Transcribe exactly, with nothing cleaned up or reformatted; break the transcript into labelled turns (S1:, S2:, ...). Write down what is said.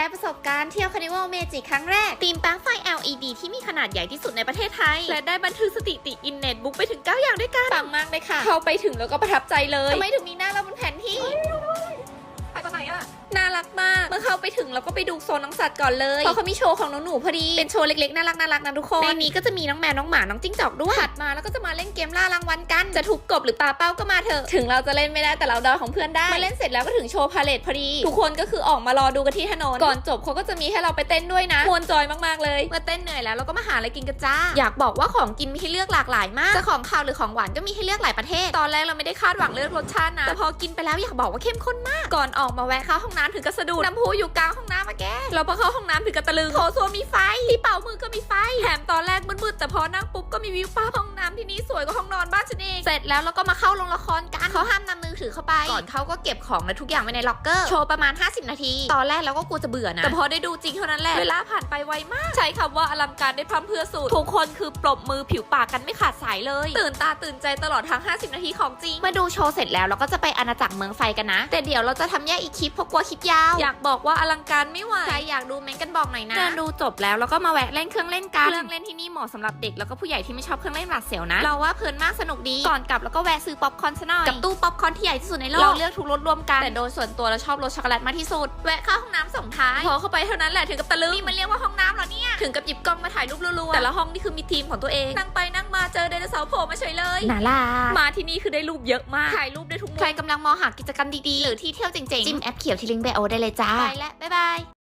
S1: ประสบการณ์เที่ยวคาร์นิวัลเมจิครั้งแรกธีมปลั๊กไฟ แอล อี ดี ที่มีขนาดใหญ่ที่สุดในประเทศไทยและได้บันทึกสถิติอินเน็ตบุ๊กไปถึงเก้าอย่างด้วยกันปังมากเลยค่ะเข้าไปถึงแล้วก็ประทับใจเลยทำไมถึงมีหน้าเราบนแผนที่ไปตอนไหนอะน่ารักมากเมื่อเข้าไปถึงเราก็ไปดูโซนน้องสัตว์ก่อนเลยเพราะเขามีโชว์ของน้องหนูพอดีเป็นโชว์เล็กๆน่ารักน่ารักนะทุกคนในนี้ก็จะมีน้องแมวน้องหมาน้องจิ้งจอกด้วยถัดมาแล้วก็จะมาเล่นเกมล่ารางวัลกันจะทุบกบหรือปาเป้าก็มาเถอะถึงเราจะเล่นไม่ได้แต่เราเดาของเพื่อนได้มาเล่นเสร็จแล้วก็ถึงโชว์พาเลทพอดีทุกคนก็คือออกมารอดูกันที่ถนนก่อนจบเขาก็จะมีให้เราไปเต้นด้วยนะมวนจอยมากๆเลยเมื่อเต้นเหนื่อยแล้วเราก็มาหาอะไรกินกันจ้าอยากบอกว่าของกินมีให้เลือกหลากหลายมากจะของคาวหรือของหวานก็มีให้เลือกหลายประเทศตอนแรกเราไม่ได้คาดหวังเลือกรสชาตินะแต่พอกินไปแล้วอยากบอกว่าเข้มข้นมากก่อนออกมาแวะเข้าห้องน้ำถึงกระสะดุดน้ำพุอยู่กลางห้องน้ำมาแกเราพอเข้าห้องน้ำถึงกระตะลึงโถส้วมมีไฟที่เป่ามือก็มีไฟแถมตอนแรกมืดๆแต่พอนั่งปุ๊บก็มีวิวปั๊บห้องน้ำที่นี่สวยกว่าห้องนอนบ้านฉันเองเสร็จแล้วเราก็มาเข้าโรงละครกันเขาห้ามนำมือถือเข้าไปก่อนเขาก็เก็บของและทุกอย่างไว้ในล็อกเกอร์โชว์ประมาณห้าสิบนาทีตอนแรกเราก็กลัวจะเบื่อนะแต่พอได้ดูจริงเท่านั้นแหละเวลาผ่านไปไวมากใช้คำว่าอลังการได้พร่ำเพรื่อสุดทุกคนคือปรบมือผิวปากกันไม่ขาดสายเลยตื่นตาตื่นใจตลอดทั้งห้าสิบนาทีของจริงมาดูโชว์เสร็จแล้วเราก็จะไปอาณาจักรเมืองไฟกันนะแต่เดี๋ยวเราจะทำแยกอีกคลิปเพราะกลัวคลิปยาวอยากบอกว่าอลังการไม่ไหวใครอยากดูเม้นกันบอกหน่อยนะเดินดูจบแล้วแล้วก็มาแวะเล่นเครื่องเล่นกันเครื่องเล่นที่นี่เหมาะสำหรับเด็กแล้วก็ผู้ใหญ่ที่ไม่ชอบเครื่องเล่นหวาดเสียวนะเราว่าเพลินมากสนุกดีก่อนกลับแล้วก็แวะซื้อป๊อปคอร์นซะหน่อยกับตู้ป๊อปคอร์นที่ใหญ่ที่สุดในโลกเราเลือกทุกรสรวมกันแต่โดยส่วนตัวเราชอบรสช็อกโกแลตมากที่สุดแวะเข้าห้องน้ำส่งท้ายพอเข้าไปเท่านั้นแหละถึงกับตะลึงนี่มันเรียกว่าห้องน้ำเหรอเนี่ยถึงกับหยิบกล้องมาถ่ายรูปรัวๆแต่ละห้องนี่คือมีทีมของตัวเองนั่งไปนั่งมาเจอไดโนเสาร์โผล่มาเฉยเลยน่ารักมาที่นี่คือได้รูปเยอะมากถ่ายรูปได้ทุกมุมใครกำลังมองหากิจกรรมดีๆหรือที่เที่ยวเจ๋งๆจิ้มแอปเขียวที่ลิงก์ไบโอได้เลยจ้าไปแล้วบ๊ายบาย